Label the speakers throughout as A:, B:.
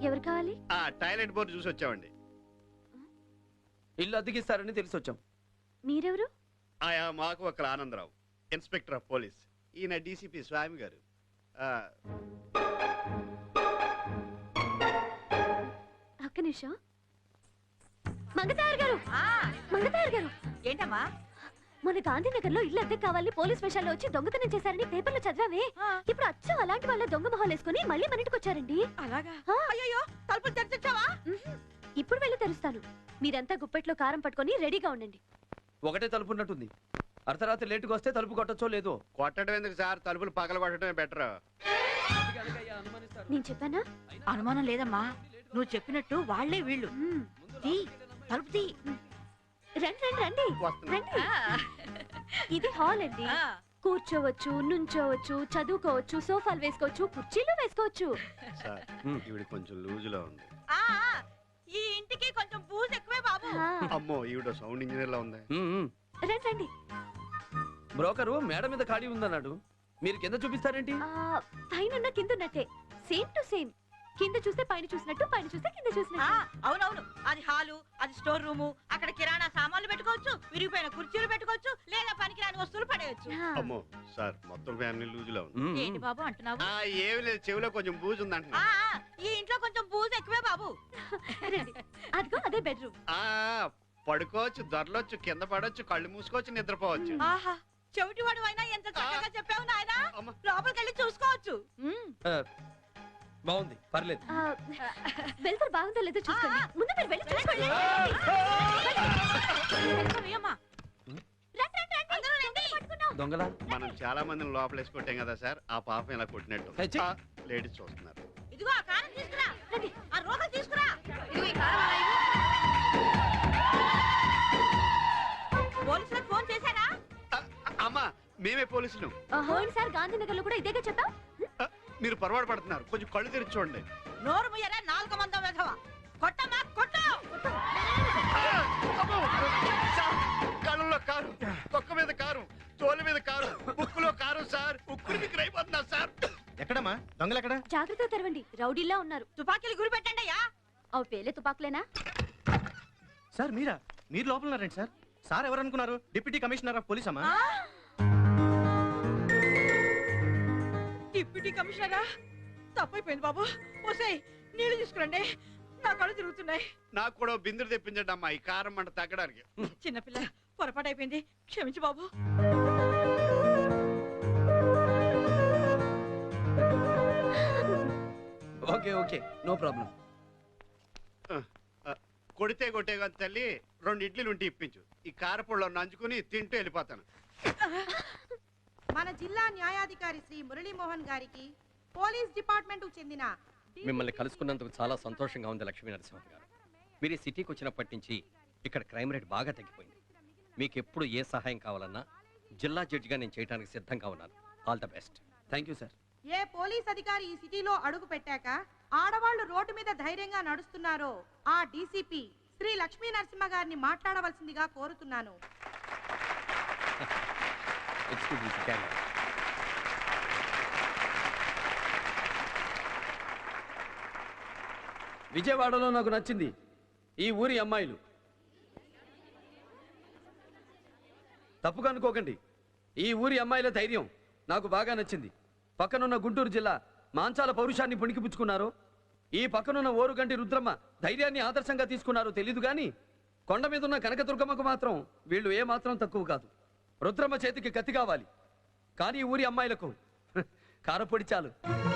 A: ఎవరు కావాలి?
B: Toilet board చూసి వచ్చామండి.
C: ఇల్లు అద్దెకిస్తారని తెలిసి వచ్చాం.
A: మీరెవరు?
B: మాకు ఒక ఆనందరావు, ఇన్స్పెక్టర్ ఆఫ్ పోలీస్. ఈయన డీసీపీ స్వామి గారు.
A: ఒక్క నిమిషం. మంగతాయర్ గారు, మంగతాయర్ గారు.
D: ఏంటమ్మా?
A: మన గాంధీనగర్ లో ఇల్లు అద్దె కావాలని పోలీస్ స్టేషన్ లో వచ్చి దొంగతనం చేశారని పేపర్లో చదివామే. ఇప్పుడు అచ్చం అలాంటి వాళ్ళ దొంగ మొహాలు వేసుకుని మళ్ళీ మన ఇంటికి వచ్చారండి.
D: అలాగా? అయ్యో, తలుపులు తెరిచావా?
A: ఇప్పుడు వెళ్ళి తెరుస్తాను. మీరంతా గుప్పెట్లో కారం పట్టుకొని రెడీగా ఉండండి.
C: ఒకటే తలుపు ఉన్నట్టుంది. అర్ధరాత్రి లేటుగా వస్తే తలుపు కొట్టచ్చో లేదో.
B: కొట్టడం ఎందుకు సార్, తలుపులు పగల కొట్టడమే బెటర్.
A: నేను చెప్పానా?
D: అనుమానం లేదమ్మా, నువ్వు చెప్పినట్టు వాళ్లే వీళ్ళు. తలుపు తీ.
A: రండి రండి రండి. ఇది హాల్ అండి. కూర్చోవచ్చు, నుంచోవచ్చు, చదువుకోవచ్చు, సోఫాలు వేసుకోవచ్చు, కుర్చీలు వేసుకోవచ్చు.
B: ఈవిడ కొంచెం లూజ్ లో ఉంది.
D: ఈ ఇంటికి కొంచెం బూజ్ ఎక్కువే బాబు.
B: అమ్మో, ఈవిడ సౌండ్ ఇంజనీర్ లా ఉంది.
A: రండి రండి.
C: బ్రోకరు మేడ మీద ఖాళీ ఉందన్నాడు, మీరు కింద చూపిస్తారేంటి?
A: పైన కింద ఉన్నట్టే, సేమ్ టు సేమ్. కింద చూస్తే పైన చూసినట్టు, పైన చూస్తే కింద చూసినట్టు.
D: అవునవును, అది హాలు, అది స్టోర్ రూము. అక్కడ కిరాణా సామాన్లు పెట్టుకోవచ్చు, విరిగిపోయిన కుర్చీలు పెట్టుకోవచ్చు, లేదా పనికిరాని వస్తువులు పడేయచ్చు.
B: అమ్మో సార్, మొత్తం ఫ్యామిలీ లూజ్ లో ఉంది.
D: ఏంటి బాబు అంటున్నావు?
B: ఏమి లేదు, చెవిలో కొంచెం బూజు ఉంది అంటున్నా.
D: ఈ ఇంట్లో కొంచెం బూజు ఎక్కువే బాబు.
A: అదిగో అదే బెడ్రూమ్.
B: పడుకోవచ్చు, దొరలొచ్చు, కింద పడవచ్చు, కళ్ళు మూసుకోవచ్చు, నిద్రపోవచ్చు.
D: ఆహా, చెవిటివాడు అయినా ఎంత చక్కగా చెప్పావు నాయనా. లోపలికి వెళ్ళి చూసుకోవచ్చు.
C: బాగుంది, పర్లేదు.
A: వెళ్తారు, బాగుందో లేదో చూసుకోండి. ముందు మీరు వెళ్ళి చూసుకోండి.
C: దొంగలా?
B: మనం చాలా మందిని లోపల వేసుకొట్టాం కదా సార్, ఆ పాపం ఇలా కొట్టినట్టు. లేడీస్ చూస్తున్నారు.
D: ఇదిగో ఆ కారం తీసుకురా, ఆ రోకలు తీసుకురా. పోలీసులకు ఫోన్ చేశారా?
B: అమ్మా, మేమే పోలీసులు.
A: సార్ గాంధీనగర్ లో కూడా ఇదేగా చెప్పాం.
B: మీరు పొరపాటు పడుతున్నారు, కొంచెం కళ్ళు తెరిచి చూడండి.
D: నోరు ముయ్యరా, 4 మంది వెధవ. కొట్టమ్మా, కొట్టు.
B: కళ్ళలో కారు, తొక్క మీద కారు, తోలు మీద కారు, బుక్కులో కారు సార్. ఉక్కులు మీకు రైపోతున్నారు సార్. ఎక్కడమ్మా దొంగలు? ఎక్కడ?
A: జాగ్రత్తగా తెరవండి, రౌడీలా ఉన్నారు.
D: తుపాకీలు గురి పెట్టండి అయ్యా.
A: అవి పేలే తుపాకులేనా?
E: సార్ మీరా? మీరు లోపల ఉన్నారండి సార్. సార్ ఎవరనుకున్నారు? డిప్యూటీ కమిషనర్ ఆఫ్ పోలీస్ అమ్మా.
D: డిప్యూటీ కమిషనరా? తప్పైపోయింది బాబు. ఓసేయ్, నీళ్లు తీసుకురండి, నా కళ్ళు తిరుగుతున్నాయి.
B: నాకు కూడా బిందులు తెప్పించండి అమ్మా, ఈ కారం మంట తగ్గడానికి.
D: చిన్నపిల్ల, పొరపాటు అయిపోయింది, క్షమించు బాబు.
C: Okay okay, no problem.
B: కొడితే కొట్టే కదా తల్లి, 2 ఇడ్లీలు ఉంటే ఇప్పించు. ఈ కారపొడిలో నంచుకుని తింటూ వెళ్ళిపోతాను.
F: మన జిల్లా న్యాయాధికారి శ్రీ మురళీమోహన్ గారికి పోలీస్ డిపార్ట్మెంట్ కు చెందిన
G: మిమ్మల్ని కలుసుకున్నందుకు చాలా సంతోషంగా ఉంది లక్ష్మీ నరసింహ గారు. మీరు ఈ సిటీకి వచ్చినప్పటి నుంచి ఇక్కడ క్రైమ్ రేట్ బాగా తగ్గిపోయింది. మీకు ఎప్పుడు ఏ సహాయం కావాలన్నా జిల్లా జడ్జిగా నేను చేయడానికి సిద్ధంగా ఉన్నాను. All the best.
C: Thank you sir.
F: ఏ పోలీస్ అధికారి ఈ సిటీలో అడుగు పెట్టాక ఆడవాళ్లు రోడ్డు మీద ధైర్యంగా నడుస్తున్నారో ఆ డీసీపీ శ్రీ లక్ష్మీ నరసింహ గారిని మాట్లాడవలసిందిగా కోరుతున్నాను.
C: విజయవాడలో నాకు నచ్చింది ఈ ఊరి అమ్మాయిలు. తప్పుగా అనుకోకండి, ఈ ఊరి అమ్మాయిల ధైర్యం నాకు బాగా నచ్చింది. పక్కనున్న గుంటూరు జిల్లా మాంచాల పౌరుషాన్ని పుణికిపుచ్చుకున్నారు. ఈ పక్కనున్న ఓరుగంటి రుద్రమ్మ ధైర్యాన్ని ఆదర్శంగా తీసుకున్నారు తెలీదు కానీ కొండ మీద ఉన్న కనకదుర్గమ్మకు మాత్రం వీళ్ళు ఏమాత్రం తక్కువ కాదు. రుద్రమ్మ చేతికి కత్తి కావాలి, కానీ ఈ ఊరి అమ్మాయిలకు కారపొడి చాలు.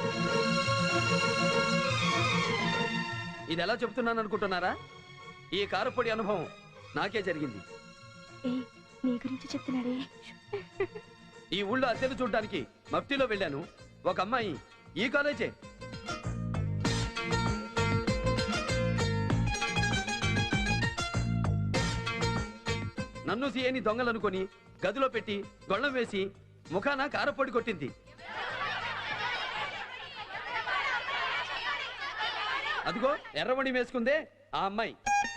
C: ఇది ఎలా చెప్తున్నాను అనుకుంటున్నారా? ఈ కారపొడి అనుభవం నాకే జరిగింది.
A: నీ గురించి చెప్తున్నాడే.
C: ఈ ఊళ్ళో అద్దెలు చూడడానికి మఫ్టీలో వెళ్ళాను. ఒక అమ్మాయి ఈ కాలేజే. నన్ను సీఏని దొంగలనుకొని గదిలో పెట్టి గొళ్ళం వేసి ముఖాన కారపొడి కొట్టింది. అదిగో ఎర్రమణి వేసుకుందే ఆ అమ్మాయి.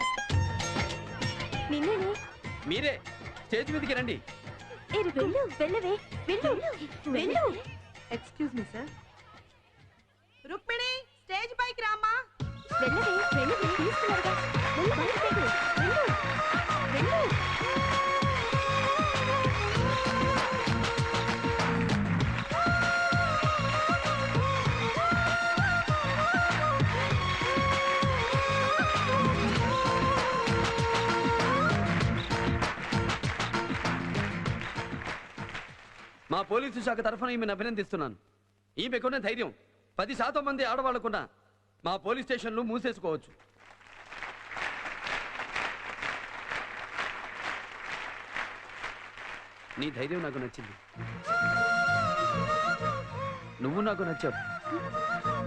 C: మీరే స్టేజ్ మీదకి రండి.
F: Excuse me sir. Rukmini, stage పైకి రామ్మా.
A: వెళ్ళవే వెళ్ళు తీసుకున్నారుగా వెళ్ళు బయటకు వెళ్ళు వెళ్ళు
C: మా పోలీసు శాఖ తరఫున ఈమెను అభినందిస్తున్నాను. ఈమెకున్న ధైర్యం 10% మంది ఆడవాళ్లకున్న మా పోలీస్ స్టేషన్లు మూసేసుకోవచ్చు. నీ ధైర్యం నాకు నచ్చింది. నువ్వు నాకు నచ్చావు.